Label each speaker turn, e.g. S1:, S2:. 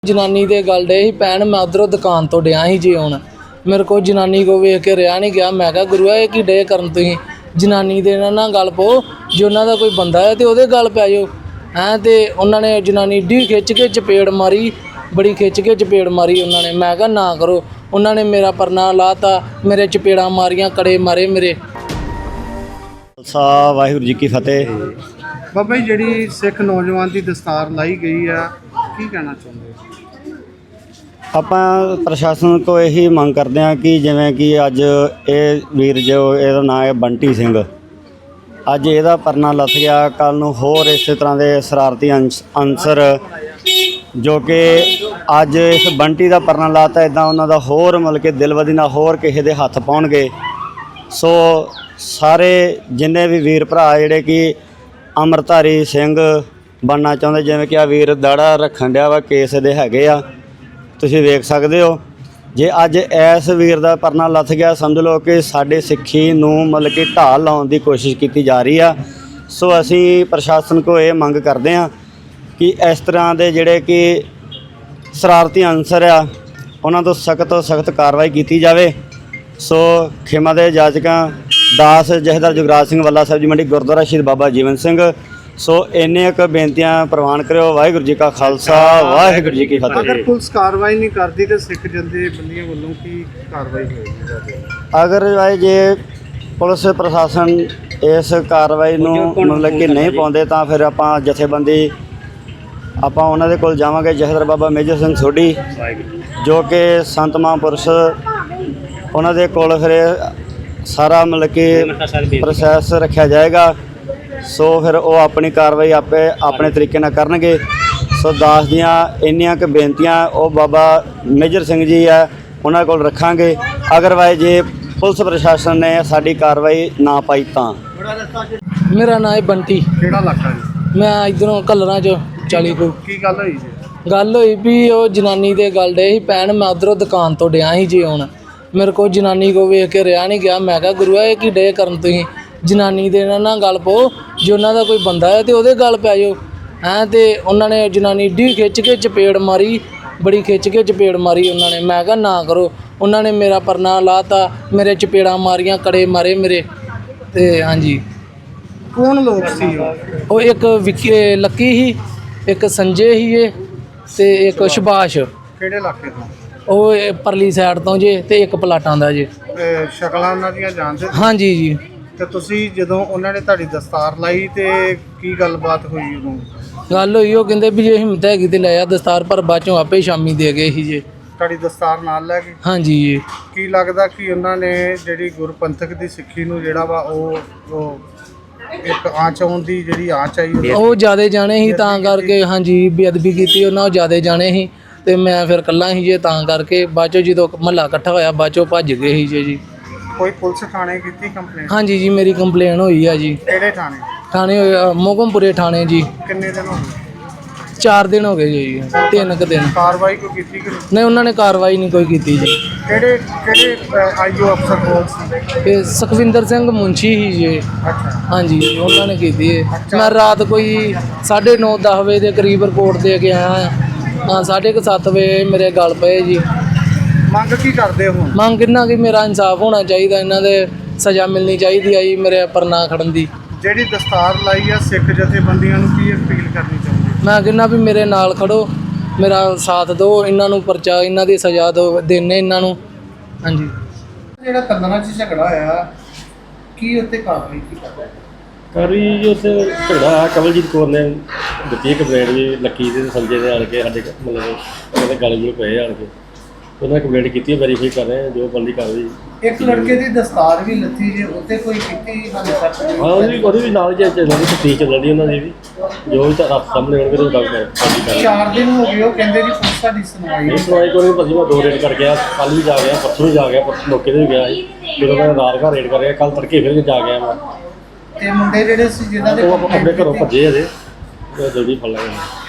S1: जनानी दे गल डे ही पैन मैं उधरों दुकान तो डिया ही जी आउण मेरे को जनानी को वेख के रहा नहीं गया। मैं कहा गुरुआ ये की डे करन तुसीं जनानी दे ना गल पो जे उन्हां दा कोई बंदा है तो उहदे गल पै जाओ हैं। तो उन्होंने जनानी डी खिच के चपेड़ मारी, बड़ी खिच के चपेड़ मारी उन्होंने। मैं कहा ना करो। उन्होंने मेरा परना लाता, मेरे चपेड़ा मारियां, कड़े मारे मेरे।
S2: वाहिगुरू जी की फतेह।
S3: बाबा जी जी सिख नौजवान की दस्तार लाई गई है, की कहना चाहते हो?
S2: ਆਪਾਂ ਪ੍ਰਸ਼ਾਸਨ ਕੋ ਇਹੀ ਮੰਗ ਕਰਦੇ ਹਾਂ ਕਿ ਜਿਵੇਂ ਕਿ ਅੱਜ ਇਹ ਵੀਰ ਜੋ ਇਹਦਾ ਨਾਂ ਹੈ ਬੰਟੀ ਸਿੰਘ, ਅੱਜ ਇਹਦਾ ਪਰਨਾ ਲੱਥ ਗਿਆ, ਕੱਲ੍ਹ ਨੂੰ ਹੋਰ ਇਸੇ ਤਰ੍ਹਾਂ ਦੇ ਸ਼ਰਾਰਤੀ ਅਨਸਰ ਜੋ ਕਿ ਅੱਜ ਇਸ ਬੰਟੀ ਦਾ ਪਰਨਾ ਲਾਤਾ ਇੱਦਾਂ ਉਹਨਾਂ ਦਾ ਹੋਰ ਮਤਲਬ ਕਿ ਦਿਲਵਦੀ ਨਾਲ ਹੋਰ ਕਿਸੇ ਦੇ ਹੱਥ ਪਾਉਣਗੇ। ਸੋ ਸਾਰੇ ਜਿੰਨੇ ਵੀ ਵੀਰ ਭਰਾ ਜਿਹੜੇ ਕਿ ਅੰਮ੍ਰਿਤਧਾਰੀ ਸਿੰਘ ਬਣਨਾ ਚਾਹੁੰਦੇ, ਜਿਵੇਂ ਕਿ ਆ ਵੀਰ ਦਾੜਾ ਰੱਖਣ ਡਿਆ ਵਾ, ਕੇਸ ਦੇ ਹੈਗੇ ਆ, ਤੁਸੀਂ ਵੇਖ ਸਕਦੇ ਹੋ। ਜੇ ਅੱਜ ਇਸ ਵੀਰ ਦਾ ਪਰਨਾ ਲੱਥ ਗਿਆ, ਸਮਝ ਲਓ ਕਿ ਸਾਡੇ ਸਿੱਖੀ ਨੂੰ ਮਤਲਬ ਕਿ ਢਾਲ ਲਾਉਣ ਦੀ ਕੋਸ਼ਿਸ਼ ਕੀਤੀ ਜਾ ਰਹੀ ਆ। ਸੋ ਅਸੀਂ ਪ੍ਰਸ਼ਾਸਨ ਕੋਲ ਇਹ ਮੰਗ ਕਰਦੇ ਹਾਂ ਕਿ ਇਸ ਤਰ੍ਹਾਂ ਦੇ ਜਿਹੜੇ ਕਿ ਸ਼ਰਾਰਤੀ ਅਨਸਰ ਆ ਉਹਨਾਂ ਤੋਂ ਸਖਤ ਤੋਂ ਸਖਤ ਕਾਰਵਾਈ ਕੀਤੀ ਜਾਵੇ। ਸੋ ਖਿਮਾ ਦੇ ਜਾਚਕਾਂ ਦਾਸ ਜਥੇਦਾਰ ਜੁਗਰਾਜ ਸਿੰਘ ਵੱਲਾ ਸਾਹਿਬ ਜੀ ਮੰਡੀ ਗੁਰਦੁਆਰਾ ਸ਼ਹੀਦ ਬਾਬਾ ਜੀਵਨ ਸਿੰਘ। ਸੋ ਇੰਨੇ ਕੁ ਬੇਨਤੀਆਂ ਪ੍ਰਵਾਨ ਕਰਿਓ। ਵਾਹਿਗੁਰੂ ਜੀ ਕਾ ਖਾਲਸਾ, ਵਾਹਿਗੁਰੂ ਜੀ ਕੀ ਫਤਿਹ।
S3: ਅਗਰ ਪੁਲਿਸ ਕਾਰਵਾਈ ਨਹੀਂ ਕਰਦੀ ਤਾਂ ਸਿੱਖ ਜਥੇਬੰਦੀਆਂ ਵੱਲੋਂ ਕੀ ਕਾਰਵਾਈ ਹੋਏਗੀ?
S2: ਅਗਰ ਜੇ ਪੁਲਿਸ ਪ੍ਰਸ਼ਾਸਨ ਇਸ ਕਾਰਵਾਈ ਨੂੰ ਮਤਲਬ ਕਿ ਨਹੀਂ ਪਾਉਂਦੇ ਤਾਂ ਫਿਰ ਆਪਾਂ ਜਥੇਬੰਦੀ ਆਪਾਂ ਉਹਨਾਂ ਦੇ ਕੋਲ ਜਾਵਾਂਗੇ। ਜਥੇਦਾਰ ਬਾਬਾ ਮੇਜਰ ਸਿੰਘ ਸੋਢੀ ਜੋ ਕਿ ਸੰਤ ਮਹਾਂਪੁਰਸ਼, ਉਹਨਾਂ ਦੇ ਕੋਲ ਫਿਰ ਸਾਰਾ ਮਤਲਬ ਕਿ ਪ੍ਰੋਸੈਸ ਰੱਖਿਆ ਜਾਏਗਾ। ਸੋ ਫਿਰ ਉਹ ਆਪਣੀ ਕਾਰਵਾਈ ਆਪੇ ਆਪਣੇ ਤਰੀਕੇ ਨਾਲ ਕਰਨਗੇ। ਸੋ ਦਾਸ ਦੀਆਂ ਇੰਨੀਆਂ ਕੁ ਬੇਨਤੀਆਂ ਉਹ ਬਾਬਾ ਮੇਜਰ ਸਿੰਘ ਜੀ ਆ ਉਹਨਾਂ ਕੋਲ ਰੱਖਾਂਗੇ। ਅਗਰਵਾਈਜ਼ ਜੇ ਪੁਲਿਸ ਪ੍ਰਸ਼ਾਸਨ ਨੇ ਸਾਡੀ ਕਾਰਵਾਈ ਨਾ ਪਾਈ ਤਾਂ।
S1: मेरा नाम है बंटी,
S3: ਕਿਹੜਾ ਇਲਾਕਾ ਜੀ?
S1: मैं इधरों कलर चो 40 को।
S3: ਕੀ ਗੱਲ ਹੋਈ ਜੀ?
S1: गल हुई भी वो जनानी दे गल डे ही पैन मैं उधरों दुकान तो डिया ही जी आउण मेरे को जनानी को वेख के रहा नहीं गया। मैं कहा गुरुआ ये की डे करन तुसीं जनानी दे ना गल पो जे उन्हां दा कोई बंदा है तो उहदे गल पै जाओ हैं। तो उन्होंने जनानी डी खिच के चपेड़ मारी, बड़ी खिच के चपेड़ मारी उन्होंने। मैं कहा ना करो। उन्होंने मेरा परना लाता, मेरे चपेड़ा मारियां, कड़े मारे मेरे। तो हाँ जी,
S3: ਕੌਣ ਲੋਕ ਸੀ ਉਹ?
S1: वो एक विक्की लक्की ही, एक संजय ही है, तो एक सुभाष।
S3: ਕਿਹੜੇ ਇਲਾਕੇ ਤੋਂ?
S1: ਉਹ ਪਰਲੀ ਸਾਈਡ ਤੋਂ ਜੇ ਤੇ ਇੱਕ ਪਲਾਟਾਂ ਦਾ ਜੇ।
S3: ਸ਼ਕਲਾਂ ਉਹਨਾਂ ਦੀਆਂ ਜਾਣਦੇ?
S1: ਹਾਂ ਜੀ ਜੀ।
S3: ਤੇ ਤੁਸੀਂ ਜਦੋਂ ਉਹਨਾਂ ਨੇ ਤੁਹਾਡੀ ਦਸਤਾਰ ਲਾਈ ਤੇ ਕੀ ਗੱਲਬਾਤ ਹੋਈ ਉਦੋਂ?
S1: ਗੱਲ ਹੋਈ ਉਹ ਕਹਿੰਦੇ ਵੀ ਜੇ ਹਿੰਮਤ ਹੈਗੀ ਤੇ ਲੈ ਆ ਦਸਤਾਰ, ਪਰ ਬਾਅਦ ਚੋਂ ਆਪੇ ਸ਼ਾਮੀ ਦੇ ਗਏ ਸੀ ਜੇ।
S3: ਤੁਹਾਡੀ ਦਸਤਾਰ ਨਾਲ ਲੈ ਕੇ?
S1: ਹਾਂ ਜੀ ਜੀ।
S3: ਕੀ ਲੱਗਦਾ ਕਿ ਉਹਨਾਂ ਨੇ ਜਿਹੜੀ ਗੁਰਪੰਥਕ ਦੀ ਸਿੱਖੀ ਨੂੰ ਜਿਹੜਾ ਵਾ ਉਹ ਇੱਕ ਆਂਚ ਆਉਣ ਦੀ ਜਿਹੜੀ ਆਂਚ ਆਈ
S1: ਉਹ ਜ਼ਿਆਦਾ ਜਾਣੇ ਸੀ ਤਾਂ ਕਰਕੇ। ਹਾਂ ਜੀ, ਬੇਅਦਬੀ ਕੀਤੀ ਉਹਨਾਂ, ਉਹ ਜ਼ਿਆਦਾ ਜਾਣੇ ਸੀ ਤੇ ਮੈਂ ਫਿਰ ਇਕੱਲਾ ਸੀ ਜੇ, ਤਾਂ ਕਰਕੇ ਬਾਅਦ ਚੋਂ ਜਦੋਂ ਮਹੱਲਾ ਇਕੱਠਾ ਹੋਇਆ ਬਾਅਦ ਚੋਂ ਭੱਜ ਗਏ ਸੀ ਜੇ ਜੀ।
S3: ਕੋਈ ਪੁਲਿਸ ਥਾਣੇ ਕੀਤੀ ਕੰਪਲੇਂਟ?
S1: ਹਾਂ ਜੀ ਜੀ, ਮੇਰੀ ਕੰਪਲੇਨ ਹੋਈ ਆ ਜੀ।
S3: ਕਿਹੜੇ ਥਾਣੇ?
S1: ਥਾਣੇ ਮੋਗਮਪੁਰੇ ਥਾਣੇ ਜੀ।
S3: ਕਿੰਨੇ ਦਿਨ ਹੋ ਗਏ?
S1: 4 ਦਿਨ ਹੋ ਗਏ ਜੀ, 3 ਕੁ ਦਿਨ।
S3: ਕਾਰਵਾਈ ਕੋਈ ਕੀਤੀ ਕਿ ਨਹੀਂ?
S1: ਨਹੀਂ, ਉਹਨਾਂ ਨੇ ਕਾਰਵਾਈ ਨਹੀਂ ਕੋਈ ਕੀਤੀ ਜੀ।
S3: ਕਿਹੜੇ ਆਈਓ ਅਫਸਰ ਕੋਲ ਸੀ?
S1: ਇਹ ਸੁਖਵਿੰਦਰ ਸਿੰਘ ਮੁੰਸ਼ੀ ਹੀ ਜੀ।
S3: ਅੱਛਾ।
S1: ਹਾਂਜੀ, ਉਹਨਾਂ ਨੇ ਕੀਤੀ ਹੈ। ਮੈਂ ਰਾਤ ਕੋਈ 9:30 10 ਵਜੇ ਦੇ ਕਰੀਬ ਰਿਪੋਰਟ ਦੇ ਕੇ ਆਇਆ ਹਾਂ। 7:30 ਵਜੇ ਮੇਰੇ ਗਲ ਪਏ ਜੀ।
S3: ਮੰਗ ਕੀ ਕਰਦੇ ਹੋ?
S1: ਮੰਗ ਕਿੰਨਾ ਕਿ ਮੇਰਾ ਇਨਸਾਫ ਹੋਣਾ ਚਾਹੀਦਾ, ਇਹਨਾਂ ਦੇ ਸਜ਼ਾ ਮਿਲਣੀ ਚਾਹੀਦੀ ਆ ਜੀ ਮੇਰੇ ਪਰਨਾ ਖੜਨ ਦੀ।
S3: ਜਿਹੜੀ ਦਸਤਾਰ ਲਾਈ ਆ ਸਿੱਖ ਜਥੇਬੰਦੀਆਂ ਨੂੰ ਕੀ ਅਪੀਲ ਕਰਨੀ ਚਾਹੁੰਦੇ?
S1: ਮੈਂ ਕਹਿੰਦਾ ਵੀ ਮੇਰੇ ਨਾਲ ਖੜੋ, ਮੇਰਾ ਸਾਥ ਦਿਓ, ਇਹਨਾਂ ਨੂੰ ਪਰਚਾ, ਇਹਨਾਂ ਦੀ ਸਜ਼ਾ ਦਿਓ, ਦੇਣੇ ਇਹਨਾਂ ਨੂੰ। ਹਾਂਜੀ।
S3: ਜਿਹੜਾ ਕੰਦਨਾ 'ਚ ਝਗੜਾ ਹੋਇਆ ਕੀ ਉੱਤੇ ਕਾਰਵਾਈ ਕੀ ਕਰਦੇ?
S4: ਕਾਰਵਾਈ ਜੀ ਉੱਥੇ ਝਗੜਾ ਕਮਲਜੀਤ ਕੌਰ ਨੇ ਦਿੱਤੀ ਕੰਪਲੇਂਟ ਜੀ, ਲੱਕੀ ਦੇ ਸੰਜੇ ਦੇ ਆਣ ਕੇ ਸਾਡੇ ਮਤਲਬ ਉਹਦੇ ਗਲ ਗੁਲ ਪਏ ਆਣ ਕੇ ਉਹਨਾਂ ਕੰਪਲੇਂਟ ਕੀਤੀ, ਵੈਰੀਫਾਈ ਕਰ ਰਹੇ ਜੋ ਬੰਦੀ ਕਾਰਵਾਈ।
S3: ਇੱਕ ਲੜਕੇ ਦੀ ਦਸਤਾਰ ਵੀ ਲੱਥੀ ਜੇ, ਉੱਤੇ ਕੋਈ ਕੀਤੀ ਹਾਲੇ ਤੱਕ?
S4: ਹਾਂ, ਉਹਦੀ ਵੀ ਨਾਲ ਜੇ ਚੱਲਣ ਦੀ ਤਫਤੀਸ਼ ਚੱਲਣ ਦੀ ਉਹਨਾਂ ਦੀ ਵੀ, ਜੋ ਵੀ ਤਾਂ ਸਾਹਮਣੇ ਹੋਣਗੇ ਉਹ ਡਾਕਟਰ।
S3: 4 ਦਿਨ ਹੋ ਗਏ ਉਹ ਕਹਿੰਦੇ ਜੀ ਪੁਲਿਸ ਸਾਡੀ ਸੁਣਵਾਈ
S4: ਨਹੀਂ ਸੁਣਵਾਈ ਕੋਈ ਨਹੀਂ। ਭਾਜੀ ਮੈਂ 2 ਰੇਡ ਕਰ ਗਿਆ, ਕੱਲ੍ਹ ਵੀ ਜਾ ਗਿਆ, ਪਰਸੋਂ ਵੀ ਜਾ ਗਿਆ, ਪਰਸੋਂ ਮੌਕੇ 'ਤੇ ਵੀ ਗਿਆ ਸੀ ਜਦੋਂ ਮੈਂ ਰਾਤ ਘਰ ਰੇਡ ਕਰ ਰਿਹਾ, ਕੱਲ੍ਹ ਤੜਕੇ ਫਿਰ ਜਾ ਗਿਆ ਮੈਂ।
S3: ਤੇ ਮੁੰਡੇ ਜਿਹੜੇ ਸੀ ਜਿਨ੍ਹਾਂ ਦੇ
S4: ਉਹ ਆਪਣੇ ਘਰੋਂ ਭੱਜੇ ਅਜੇ, ਜਲਦੀ ਫੜ ਲਾਂਗੇ।